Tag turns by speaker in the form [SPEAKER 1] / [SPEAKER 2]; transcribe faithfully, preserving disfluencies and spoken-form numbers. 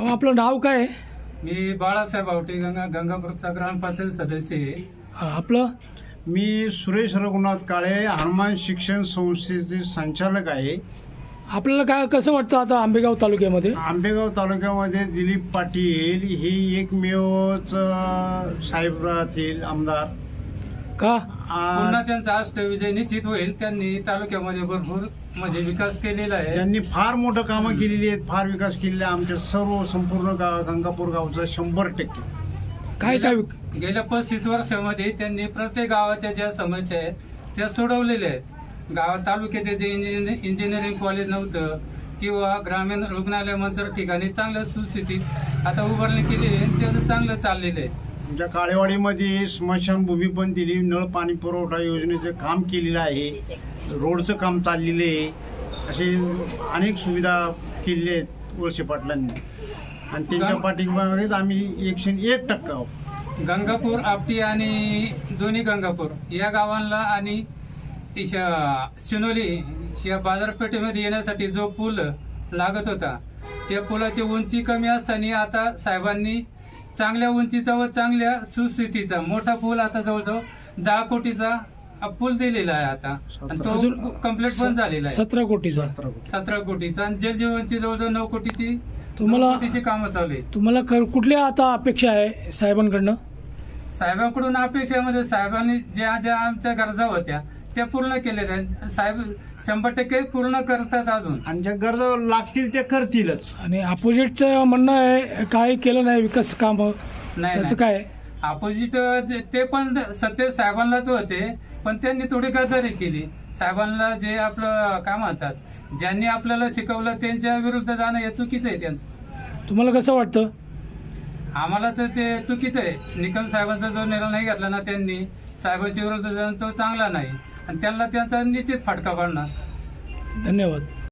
[SPEAKER 1] अहो, आपलं नाव काय आहे?
[SPEAKER 2] मी बाळासाहेब आवटे गंगा गंगापूरचा ग्रामपंचायत सदस्य आहे.
[SPEAKER 1] हा, आपलं
[SPEAKER 3] मी सुरेश रघुनाथ काळे हनुमान शिक्षण संस्थेचे संचालक आहे.
[SPEAKER 1] आपल्याला काय कसं वाटतं आता आंबेगाव तालुक्यामध्ये?
[SPEAKER 3] आंबेगाव तालुक्यामध्ये दिलीप पाटील ही एकमेवच अ, साहेब राहतील आमदार.
[SPEAKER 1] का
[SPEAKER 2] पुन्हा
[SPEAKER 3] आ,
[SPEAKER 2] त्यांचा अष्टविजय निश्चित होईल. त्यांनी तालुक्यामध्ये भरपूर म्हणजे विकास केलेला आहे.
[SPEAKER 3] त्यांनी फार मोठं कामं केलेली आहेत, फार विकास केलेला आहे. आमच्या सर्व संपूर्ण गाव गंगापूर गावचा शंभर टक्के.
[SPEAKER 1] काय काय
[SPEAKER 2] गेल्या- गेल्या पस्तीस वर्षामध्ये त्यांनी प्रत्येक गावाच्या ज्या समस्या आहेत त्या सोडवलेल्या आहेत. गावात तालुक्याचे जे इंजिनिअरिंग इंजिनिअरिंग कॉलेज नव्हतं किंवा ग्रामीण रुग्णालय मंचर ठिकाणी चांगल्या सुस्थितीत आता उभारणी केली आहे. त्याचं चांगलं चाललेलं आहे.
[SPEAKER 3] आमच्या काळेवाडीमध्ये स्मशानभूमी पण दिली, नळ पाणी पुरवठा योजनेचं काम केलेलं आहे, रोडचं काम चाललेलं आहे. असे अनेक सुविधा केलेल्या आहेत वळसे पाटलांनी आणि त्यांच्या पाठीमागेच आम्ही एकशे एक टक्का आहोत.
[SPEAKER 2] गंगापूर आपटी आणि दोन्ही गंगापूर या गावांना आणि इशा- शिनोली या बाजारपेठेमध्ये येण्यासाठी जो पूल लागत होता त्या पुलाची उंची कमी असताना आता साहेबांनी चांगल्या उंचीचा व चांगल्या सुस्थितीचा मोठा पूल आता जवळजवळ दहा कोटीचा पूल दिलेला आहे आता आणि तो
[SPEAKER 1] अजून
[SPEAKER 2] कम्प्लीट पण झालेला आहे.
[SPEAKER 1] सतरा कोटीचा.
[SPEAKER 2] सतरा कोटीचा आणि जलजीवनची जवळजवळ नऊ कोटीची
[SPEAKER 1] तुम्हाला-
[SPEAKER 2] नऊ कोटीची कामं चालू आहेत.
[SPEAKER 1] तुम्हाला क- कुठल्या आता अपेक्षा आहे साहेबांकडनं?
[SPEAKER 2] साहेबांकडून अपेक्षेमध्ये साहेबांनी ज्या ज्या आमच्या गरजा होत्या त्या पूर्ण केलेल्या आहेत. साहेब शंभर टक्के पूर्ण करतात अजून.
[SPEAKER 3] आणि ज्या गरजा लागतील ते करतीलच.
[SPEAKER 1] आणि अपोजिटचं म्हणणं आहे काय केलं नाही विकास काम,
[SPEAKER 2] नाही
[SPEAKER 1] त्याचं काय?
[SPEAKER 2] अपोजिट ते पण सत्य साहेबांनाच होते पण त्यांनी थोडी गद्दारी केली. साहेबांना जे आपलं काय म्हणतात ज्यांनी आपल्याला शिकवलं त्यांच्या विरुद्ध जाणं हे चुकीचं आहे त्यांचं.
[SPEAKER 1] तुम्हाला कसं वाटतं?
[SPEAKER 2] आम्हाला तर ते चुकीचं आहे. निकम साहेबांचा जो निर्णय नाही घेतला ना त्यांनी साहेबांच्या विरुद्ध जाणं तो चांगला नाही आणि त्यांना त्यांचा निश्चित फटका पडणार.
[SPEAKER 1] धन्यवाद.